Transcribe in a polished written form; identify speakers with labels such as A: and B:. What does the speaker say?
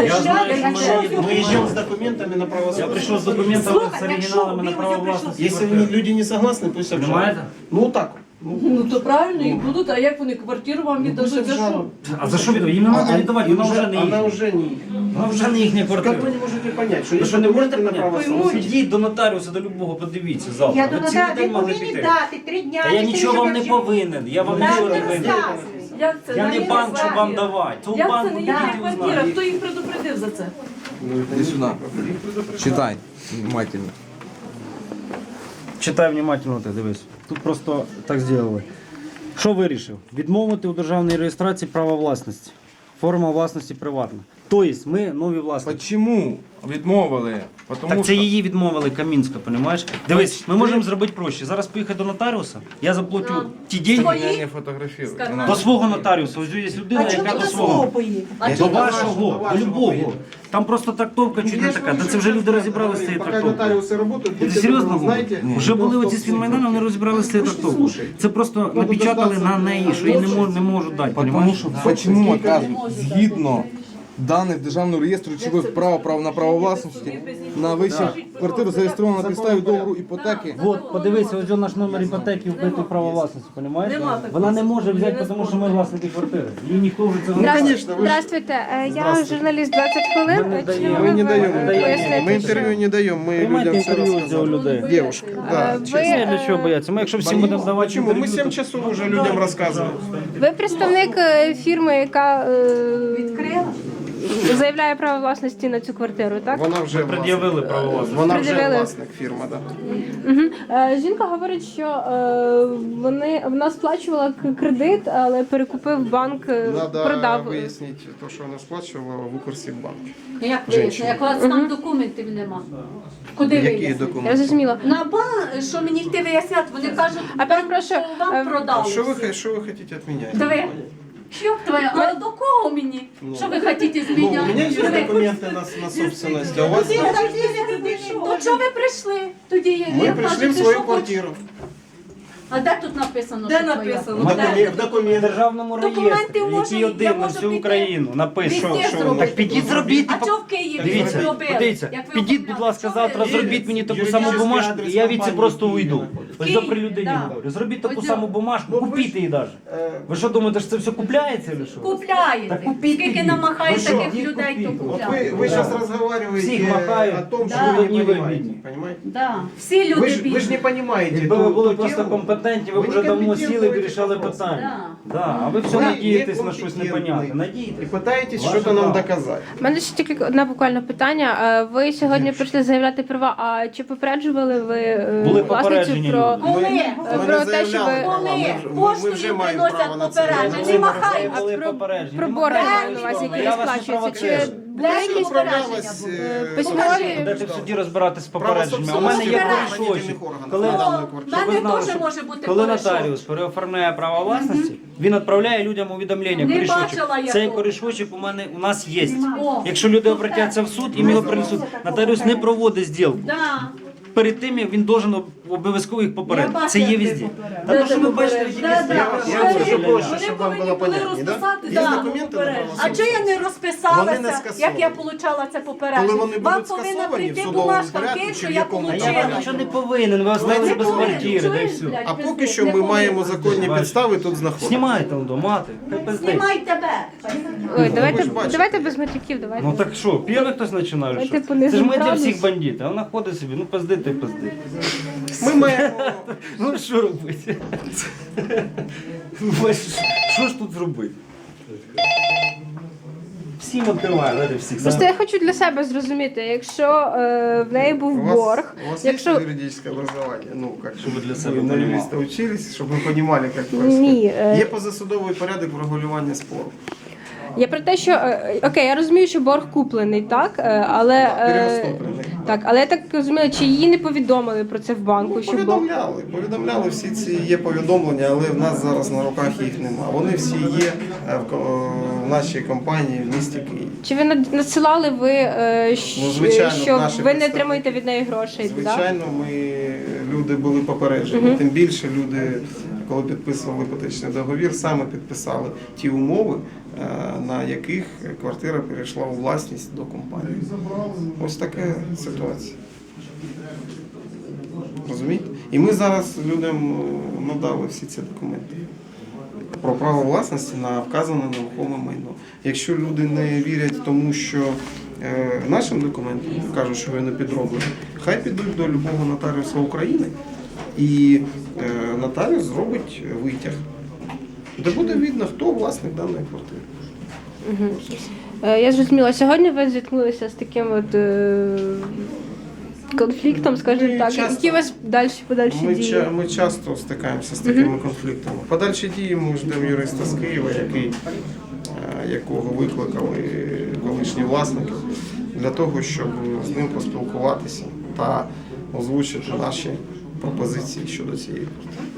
A: Я знаю, что
B: Мы идем с документами на право
A: я
B: собственности.
A: пришел с документами, с оригиналами на право власности.
B: Если люди не согласны, пусть обжалуют.
A: Понимаете?
B: Ну так.
C: Ну то правильно, і будуть, а як вони квартиру вам віддадуть за що?
B: обжалуют.
A: А за що віддавати? Їм не треба віддавати, вона вже не
B: Она
A: їхня.
B: уже не.
A: Вона вже не їхня
B: Как вы
A: квартира.
B: не можете понять, что
A: Ви
B: есть
A: що не можете
B: документы на право
A: поняти?
B: собственности?
A: Ідіть до нотаріуса, до любого, подивіться
D: Я
A: завтра.
D: до
A: Ви цілий
D: ви
A: день могли
D: повинні
A: піти.
D: дати 3 дня.
A: Та я нічого вам не повинен, я вам нічого не винен.
C: Як це?
A: Я не
C: їхня
A: банк, щоб вам
C: квартира?
A: давати. Це у
C: Як це
A: банку
C: не
A: підіть
C: їхня
A: і
C: квартира?
A: узнаєте.
C: Хто їх предупредив за це?
E: Иди сюда. Читай внимательно.
A: Читай внимательно, ти дивись. Тут просто так зробили. Що вирішив? Відмовити у державній реєстрації права власності. Форма власності приватна. Тобто ми нові власники.
E: Почему відмовили? Потому
A: Так це
E: що
A: її відмовили Камінська, розумієш? Дивись, ми можемо зробити проще. Зараз поїхати до нотаріуса, я заплатю ті деньги
E: я не фотографирую. Не
A: до
E: надо.
A: свого нотаріуса. Ось є людина, яка до свого. До вашого, до любого. Там просто трактовка чуть не така. Та це вже люди розібралися з цією
B: Пока
A: трактовкою.
B: нотариусы работают,
A: Ти
B: будьте
A: серйозно
B: добры,
A: говориш?
B: знаете,
A: Вже були
B: ну,
A: оці з Фінмайданом, вони розібралися з цією трактовкою. Це просто напечатали на неї, що їй не можуть дати,
E: Потому
A: розумієш?
E: що почему отказують? Згідно даних Державного реєстру речових прав на право власності на вищу квартиру зареєстровано на підставі договору іпотеки.
A: От, подивися, ось наш номер іпотеки вбитий право власності, розумієш?
C: Нема такого.
A: Вона не може взяти, тому що ми власники квартири. Їй ніхто вже це не
B: Конечно, вы же-
F: Здравствуйте, я журналіст 20 хвилин.
A: Ми не
F: Чи
A: даємо.
F: ви
B: Мы не даем.
F: поясните,
B: Мы интервью не даем, мы
A: Приймайте
B: людям все
A: інтерв'ю з
B: рассказали.
A: цього людей.
B: Девушка, да.
F: Ви,
A: Для чого бояться? Ми якщо всім будемо давати
B: Почему? Мы
A: інтерв'ю,
B: 7
A: то-
B: часов уже людям рассказываем.
F: ви представник фірми, яка заявляє право власності на цю квартиру, так?
B: Вона вже
A: пред'явили право власності.
B: Вона вже
F: Пред'явили.
B: власник фірма, да.
F: Жінка говорить, що вона сплачувала кредит, але перекупив банк,
B: Надо
F: продав.
B: вияснити те, що вона сплачувала в Укрсіббанк.
G: Як вийшло? Як у вас там документів нема? Куди
B: Які
G: вияснити?
F: Я
B: документи?
F: зрозуміла.
G: На банк, що мені йти виясняти? Вони кажуть,
F: А перепрошую,
G: що вам продали.
B: Що ви хочете від мене?
G: Диви. Що твоя? А до кого мені? Що ви хочете з
B: Ну, у
G: мене?
B: меня есть
G: Диви.
B: документы на собственность, а у вас...
G: То чого ви прийшли? Тоді я
B: Мы
G: я
B: пришли
G: кажу,
B: в
G: ти
B: свою
G: що
B: квартиру.
G: А де тут написано?
C: Де
G: що твоя?
C: написано?
B: В
A: В
B: документах.
A: державному
G: Документи
A: реєстрі,
G: можна,
A: який
G: я
A: один на
G: можу
A: всю
G: піти.
A: Україну написано.
G: Везде
A: Що
G: зробити.
A: так підіть зробіть.
G: А чого в Києві
A: Дивіться,
G: не зробили?
A: подивіться,
G: Як ви
A: підіть, будь
G: оформляли?
A: ласка,
G: Чого
A: завтра
G: ви-
A: зробіть мені таку
B: Юридичний
A: саму бумажку,
B: адрес
A: і я від це
B: компанії
A: просто
B: в Києві.
A: уйду. Ось
G: Київ,
A: до при людині
G: да.
A: говорю. Зробіть таку
G: Ось
A: саму бумажку, купіть її навіть. Ви що думаєте, що це все купляється чи що?
G: Купляєте.
A: Так купіть
G: Скільки
A: її.
G: намахає
A: Ну що,
G: таких
A: їх
G: людей, то
A: купіть.
B: Вот
G: купляють.
B: вы сейчас разговариваете
A: Всех махают.
B: о том, что
G: Да.
B: вы не
A: Не
B: понимаете.
A: видно.
B: Понимаете?
G: Да. Всі люди
B: Вы ж
G: бідні.
B: не понимаете
A: Якби ви
B: ту-
A: були
B: ту
A: просто
B: тему.
A: компетентні, ви б
B: Ви
A: вже давно
B: некомпетентні
A: сіли і
B: в цих
A: вирішали
B: вопросах.
A: питання. Да. А ви все
B: Вы
A: надієтесь на щось
B: некомпетентны
A: непонятне.
B: И
A: Надієтесь.
B: пытаетесь
A: Ваше
B: что-то нам
A: право.
B: доказать.
F: У мене ще тільки одне буквально питання. Ви сьогодні прийшли заявляти права, а чи попереджували ви
A: Були
F: власницю
A: попереджені
F: про...
A: люди.
G: Коли?
B: Ми
F: Про
B: не
F: те, що
B: заявляли
F: ви-
B: права,
G: Коли?
B: ми вже
G: Поштою
B: маємо право
G: приносять
B: на це.
G: попередження. Не махай.
F: А
A: були
F: про-
A: попереджені.
F: про
A: Не
F: борги
A: махайте.
F: на вас, які
A: Я
F: не
A: вас не
F: сплачуються. Чи
A: провоцирую.
F: для якихось
B: Управлялась
F: письмові...
A: Будете в суді розбиратись з попередженнями. У
B: Право
A: мене є
B: собственности
A: корішочок.
B: органів
A: Коли,
B: на даній
G: Ну,
B: квартирі.
A: щоб ви
G: мене
A: знали,
G: теж
A: що
G: може бути
A: коли
G: корішок.
A: нотаріус переоформляє право власності, він відправляє людям увідомлення.
G: Не
A: Корішочок.
G: бачила я
A: Цей
G: того.
A: корішочок у нас є.
G: О.
A: Якщо люди обратяться в суд і ми його принесуть, нотаріус не проводить зділку.
G: Да.
A: Перед тим як він должен обов'язково їх попередити.
G: Я
A: Це є
G: бачила,
A: везде.
G: як
A: Та то, що ви бачите, які
G: Да,
A: везде.
G: да.
B: Я скажу проще,
C: Вони
B: щоб вам
C: повинні
B: було
C: були
B: понятні, да?
C: розписатися.
B: Є
G: Да.
B: документи на право
G: А чого я не
B: Вони не
G: розписалася,
B: скасовані.
G: як я отримала це
B: Коли
G: попередження?
B: вони
G: Вам
B: будуть
G: повинна
B: скасовані в
G: прийти
B: судовому
G: бумажка в
B: порядку,
G: Київ,
B: чи
G: що
B: в
G: я
B: якому
A: А я
G: отримала.
A: вам нічого не повинен, ви остались
G: Не
A: без
G: повинен.
A: квартири, да і
G: Чуєш,
A: все.
G: блядь,
B: А
G: без
B: поки
G: них
B: що
G: не
B: ми
G: повинен.
B: маємо законні
A: Бачите.
B: підстави тут знаходитися.
A: Знімайте воно, мати. Хай пиздить.
G: Знімай тебе.
F: Ой, давайте,
B: ж бачите.
F: давайте без матюків, давайте.
A: Ну так що, перший хтось починає?
F: Давайте
A: Що? Це ж
F: понизимо
A: ми для
F: градус.
A: всіх бандити, а вона ходить собі, ну пиздити і пиздити.
B: Ми маємо...
A: Ну що робити? Що ж тут зробити? Всім відкриває, дайте всіх.
F: Просто я хочу для себе зрозуміти, якщо в неї був борг,
B: У вас
F: якщо...
B: есть юридическое образование? Ну, как
A: Щоб ви для себе
B: вы на
A: понимали.
B: юриста учились, чтобы вы понимали, как
F: Ні,
B: происходит. Є позасудовий порядок врегулювання спору.
F: я про те, що окей, я розумію, що борг куплений, так, але
B: Переоступлений.
F: так, але я так розумію, чи її не повідомили про це в банку, що борг.
B: Повідомляли, всі ці є повідомлення, але в нас зараз на руках їх нема. Вони всі є в нашій компанії в місті Києві.
F: Чи ви надсилали ви,
B: Ну, звичайно,
F: що
B: наші
F: ви не
B: представники.
F: отримуєте від неї грошей? Да?
B: Звичайно, люди були попереджені. Тим більше люди, коли підписували іпотечний договір, саме підписали ті умови, на яких квартира перейшла у власність до компанії. Ось така ситуація. Розумієте? І ми зараз людям надали всі ці документи про право власності на вказане нерухоме майно. Якщо люди не вірять тому, що нашим документам кажуть, що вони підроблені, хай підуть до любого нотаріуса України і нотаріус зробить витяг, де буде видно, хто власник даної квартири.
F: Я зрозуміла, сьогодні ви зіткнулися з таким от конфліктом, скажімо
B: Ми
F: так.
B: часто-
F: Які у вас подальші дії?
B: Ми часто стикаємося з такими конфліктами. Подальші дії ми ждемо юриста з Києва, якого викликали колишні власники, для того, щоб з ним поспілкуватися та озвучити наші пропозиції щодо цієї квартири.